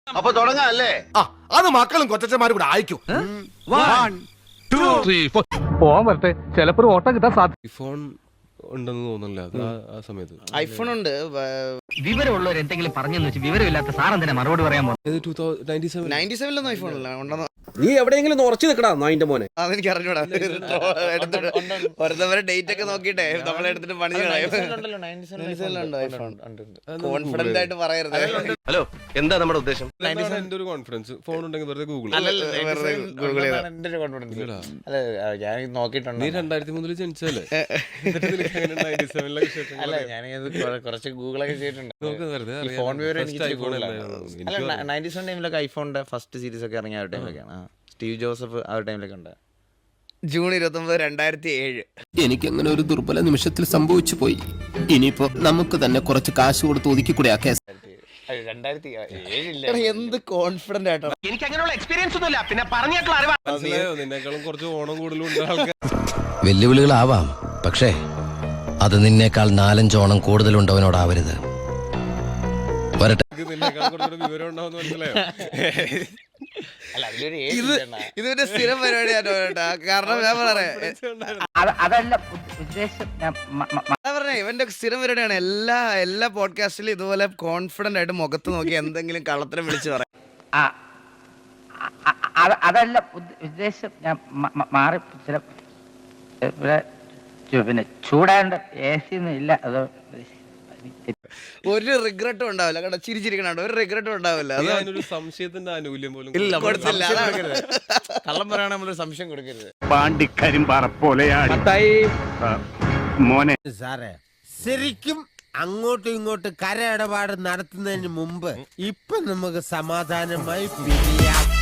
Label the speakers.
Speaker 1: അപ്പൊ തുടങ്ങാം അല്ലേ?
Speaker 2: അത് മക്കളും കൊച്ചന്മാരും കൂടെ അയക്കും.
Speaker 3: പോവാൻ വരട്ടെ, ചിലപ്പോ ഓട്ടം കിട്ടാൻ സാധ്യത.
Speaker 4: ഫോൺ ഉണ്ടെന്ന് തോന്നുന്നില്ല ആ സമയത്ത്.
Speaker 1: ഐഫോൺ ഉണ്ട്.
Speaker 5: വിവരമുള്ളവർ എന്തെങ്കിലും പറഞ്ഞെന്ന് വെച്ച് വിവരമില്ലാത്ത സാറെന്തിനാ മറുപടി പറയാൻ പോകുന്നത്?
Speaker 1: 97 ഐഫോൺ ഉണ്ടെന്ന്.
Speaker 6: നീ എവിടെയെങ്കിലും ഉറച്ചു നിൽക്കടാ നായിന്റെ മോനെ.
Speaker 1: അതെനിക്ക് അറിഞ്ഞൂടാ. ഓരോരുത്തവരെ ഡേറ്റ് ഒക്കെ നോക്കിട്ടെ നമ്മളെടുത്തിട്ട് പണി കോൺഫിഡന്റ് ആയിട്ട് പറയരുത്.
Speaker 6: ഹലോ, എന്താ നമ്മുടെ ഉദ്ദേശം?
Speaker 4: എന്റെ ഒരു കോൺഫിഡൻസ് ഫോൺ ഉണ്ടെങ്കിൽ വെറുതെ ഗൂഗിൾ.
Speaker 1: ഞാൻ നോക്കിയിട്ടുണ്ട്.
Speaker 4: നീ 2003 ജനിച്ചല്ലേ?
Speaker 1: അല്ല, ഞാനിത് കുറച്ച് ഗൂഗിളൊക്കെ ചെയ്തിട്ടുണ്ട്. ഫോൺ വിവരം എനിക്ക് 97 ടൈമിലൊക്കെ ഐഫോണിന്റെ ഫസ്റ്റ് സീരീസ് ഒക്കെ ഇറങ്ങിയ ഒരു ടൈമിലൊക്കെയാണ്. സ്റ്റീവ് ജോസഫ് ആ ഒരു ടൈമിലൊക്കെ ഉണ്ട്. ജൂൺ 29, 2007.
Speaker 7: എനിക്കങ്ങനെ ഒരു ദുർബല നിമിഷത്തിൽ സംഭവിച്ചു പോയി. ഇനിയിപ്പോ നമുക്ക് തന്നെ കുറച്ച് കാശ് കൊടുത്ത് ഒതുക്കിക്കൂടെ ആ കേസ്?
Speaker 1: 2007 എന്ത് കോൺഫിഡന്റ് ആയിട്ടാണ്.
Speaker 5: എനിക്ക് അങ്ങനെയുള്ള എക്സ്പീരിയൻസ് ഒന്നുമില്ല, പിന്നെ പറഞ്ഞേക്കുള്ള അറിവാ.
Speaker 4: നിന്നേക്കാളും കുറച്ച് ഓണം കൂടുതലുണ്ട് ആൾക്കാർ.
Speaker 7: വെല്ലുവിളികളാവാം, പക്ഷേ അത് നിന്നേക്കാൾ 4-5 ഓണം കൂടുതലുണ്ടവനോടാവരുത്. വരട്ടെ.
Speaker 4: നിന്നേക്കാളും കുറച്ചുകൂടെ വിവരം ഉണ്ടാവുന്ന മനസ്സിലായോ?
Speaker 1: ഇതൊരു സ്ഥിരം പരിപാടിയാണ് കേട്ടോ. കാരണം ഞാൻ പറയാം, ഇവന്റെ സ്ഥിരം പരിപാടിയാണ്. എല്ലാ പോഡ്കാസ്റ്റിലും ഇതുപോലെ കോൺഫിഡന്റ് ആയിട്ട് മുഖത്ത് നോക്കി എന്തെങ്കിലും കള്ളത്തിനെ വിളിച്ച് പറയാം.
Speaker 5: അതല്ല ഉദ്ദേശം. ഞാൻ മാറി ചില പിന്നെ ചൂടാണ്ട് AC ഒന്നും ഇല്ല. അത്
Speaker 1: ഒരു റിഗ്രറ്റും ഉണ്ടാവില്ല കേട്ടോ. ചിരിച്ചിരിക്കണോ, ഒരു റിഗ്രറ്റും ഉണ്ടാവില്ല.
Speaker 4: അതിനൊരു സംശയത്തിന്റെ ആനുകൂല്യം പോലും
Speaker 1: കൊടുത്തില്ല. കള്ളം പറയാൻ നമ്മളൊരു സംശയം കൊടുക്കരുത്.
Speaker 3: പാണ്ടിക്കരിമ്പാറ പോലെയാണ് മോനെ.
Speaker 8: സാറേ, ശരിക്കും അങ്ങോട്ടും ഇങ്ങോട്ടും കര ഇടപാട് നടത്തുന്നതിന് മുമ്പ് ഇപ്പൊ നമുക്ക് സമാധാനമായി പിരിയാം.